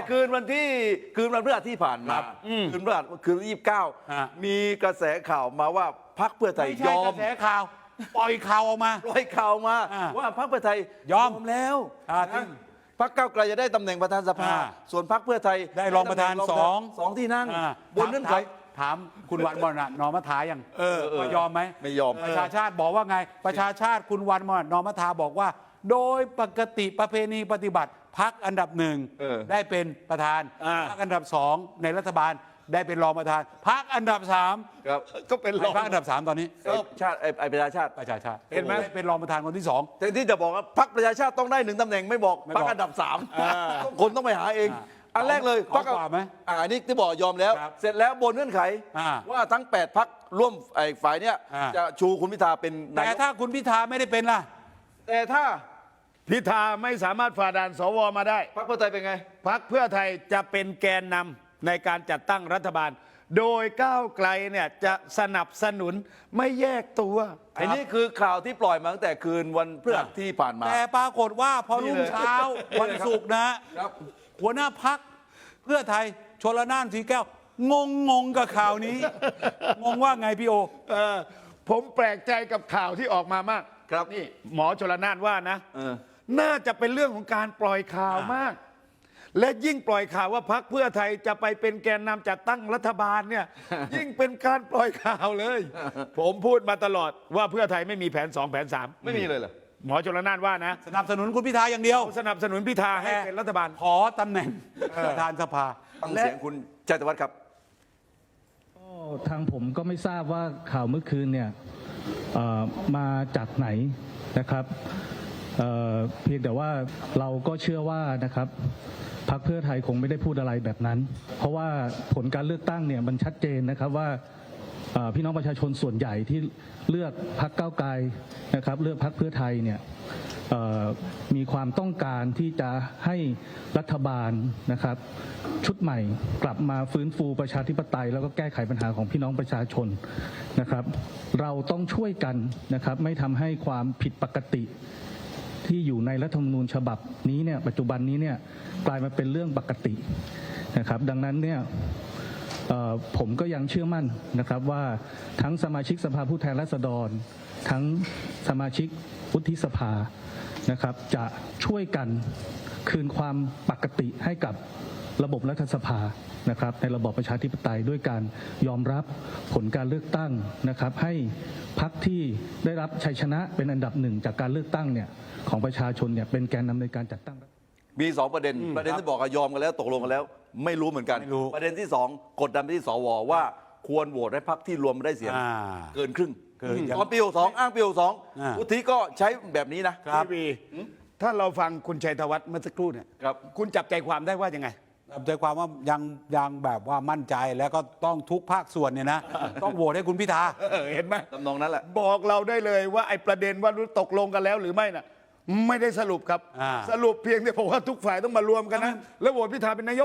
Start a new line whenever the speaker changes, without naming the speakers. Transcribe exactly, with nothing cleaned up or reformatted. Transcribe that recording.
คืนวันที่คืนวันพฤหัสที่ผ่านมาคืนพฤหัสคืนยี่สิบเก้ามีกระแสข่าวมาว่าพรรคเพื่อไทย
ไม่
ย
ใช่
อก ม
ระแสข่าวปล่อยข่าวออกมา
ปล่อยข่าวมา
อ่า
ว่าพรรคเพื่อไทย
ยอม
แล้ว
อ่า
นะพรรคก้าวไกลจะได้ตำแหน่งประธานสภา
อ่า
ส่วนพรรคเพื่อไทย
ได้รองประธาน
ได้ตำแห
สอง
สองที่นั่ง
อ่า
บนเงื่อนไข
ถามคุณวันมรณะนอมทายัง
เออเออ
ว่ายอมไหม
ไม่ยอม
ประชาชาติบอกว่าไง ประชาชาติคุณวันมรณะนอมทาบอกว่า โดยปกติประเพณีปฏิบัติพักอันดับหนึ่ง
เออ
ได้เป็นประธาน
อ่า
พักอันดับสองในรัฐบาลได้เป็นรองประธานพักอันดับสาม
ครับ
ก็เป็นรอง
พักอันดับสามตอนนี้
ไอ้ชาติไอ้ไอ้ประชาชาติ
ประชาชาติ
เห็นไหม
ด้เป็นรองประธานคนที่สอง
แต่ที่จะบอกว่าพรรคประชาชาติต้องได้หนึ่งตำแหน่งไม่บอก
ไม่
พร
บ
ร
อก
คอันดับสามคนต้องไปหาเอง
อ่า
อันแรกเลย
ขอ
พรรค
ขอกว่าไหม
อ่าอันนี้ที่บอกยอมแล้ว
ครับ
เสร็จแล้วบนเงื่อนไข
อ่า
ว่าทั้งแปดพรรคร่วมไอ้ฝ่ายเนี้ย
อ่า
จะชูคุณพิธาเป็นนาย
แต่
ก
ถ้าคุณพิธาไม่ได้เป็นล่ะ
แต่ถ้า
พิธาไม่สามารถฝ่าด่านสวมาได้
พรรคเพื่อไทยเป็นไง
พรรคเพื่อไทยจะเป็นแกนนำในการจัดตั้งรัฐบาล โดยก้าวไกลเนี่ยจะสนับสนุนไม่แยกตัว
อันนี้คือข่าวที่ปล่อยมาตั้งแต่คืนวันพฤหัสที่ผ่านมา
แต่ปรากฏว่าพอรุ่งเช้า
นี่เลย
วันศุกร์นะครับ หัวหน้าพักเพื่อไทยชลน่านสีแก้ว งงงงกับข่าวนี้ งงว่าไงพี่โอ
เออผมแปลกใจกับข่าวที่ออกมามาก
ครับ
นี่หมอชลนานว่านะ
เออ
น่าจะเป็นเรื่องของการปล่อยข่าวมาก และยิ่งปล่อยข่าวว่าพรรคเพื่อไทยจะไปเป็นแกนนำจัดตั้งรัฐบาลเนี่ย ยิ่งเป็นการปล่อยข่าวเลย ผมพูดมาตลอดว่าเพื่อไทยไม่มีแผนสองแผนสาม
ไม่มีเลยเหรอ
หมอชลนานว่านะ
สนับสนุนคุณพิธาอย่างเดียว
สนับสนุนพิธาให้เป็นรัฐบาล
ขอตำแหน่งประธานสภา
ฟังเสียงคุณชัยธวัฒน์ครับ
ก็ทางผมก็ไม่ทราบว่าข่าวเมื่อคืนเนี่ยเอ่อมาจากไหนนะครับเอ่อเพียงแต่ว่าเราก็เชื่อว่านะครับพรรคเพื่อไทยคงไม่ได้พูดอะไรแบบนั้น เพราะว่าผลการเลือกตั้งเนี่ยมันชัดเจนนะครับว่าเอ่อพี่น้องประชาชนส่วนใหญ่ที่เลือกพรรคก้าวไกลนะครับเลือกพรรคเพื่อไทยเนี่ยเอ่อมีความต้องการที่จะให้รัฐบาลนะครับชุดใหม่กลับมาฟื้นฟูประชาธิปไตยแล้วก็แก้ไขปัญหาของพี่น้องประชาชนนะครับเราต้องช่วยกันนะครับไม่ทำให้ความผิดปกติที่อยู่ในรัฐธรรมนูญฉบับนี้เนี่ยปัจจุบันนี้เนี่ยกลายมาเป็นเรื่องปกตินะครับดังนั้นเนี่ยเอ่อผมก็ยังเชื่อมั่นนะครับว่าทั้งสมาชิกสภาผู้แทนราษฎร ทั้งสมาชิกวุฒิสภานะครับจะช่วยกันคืนความปกติให้กับระบบรัฐสภานะครับในระบอบประชาธิปไตยด้วยการยอมรับผลการเลือกตั้งนะครับให้พรรคที่ได้รับชัยชนะเป็นอันดับหนึ่งจากการเลือกตั้งเนี่ยของประชาชนเนี่ยเป็นแกนนำในการจัดตั้ง
มีสองประเด็น ประเด็นที่บอกว่ายอมกันแล้วตกลงกันแล้ว ไม่รู้เหมือนกัน
ไม่รู้
ประเด็นที่สองกดดันไปที่สวว่าควรโหวตให้พรรคที่รวมได้เสียง
อ่า
เกินครึ่ง
เกิน
ตอนปีหกสองอ้างปีหกสอง
อ่า
วุฒิก็ใช้แบบนี้นะ
ครับ
พี่วีถ้าเราฟังคุณชัยธวัฒน์เมื่อสักครู่เนี่ย
ครับ
คุณจับใจความได้ว่ายังไง
ใจความว่ายังยังแบบว่ามั่นใจแล้วก็ต้องทุกภาคส่วนเนี่ยนะ ต้องโหวตให้คุณพิธา
เออเห็นไหม
ตำนองนั้นแหละ
บอกเราได้เลยว่าไอ้ประเด็นว่าตกลงกันแล้วหรือไม่น่ะไม่ได้สรุปครับ
อ่า
สรุปเพียงแต่บอกว่าทุกฝ่ายต้องมารวมกันนะ แล้วโหวตพิธาเป็นนายก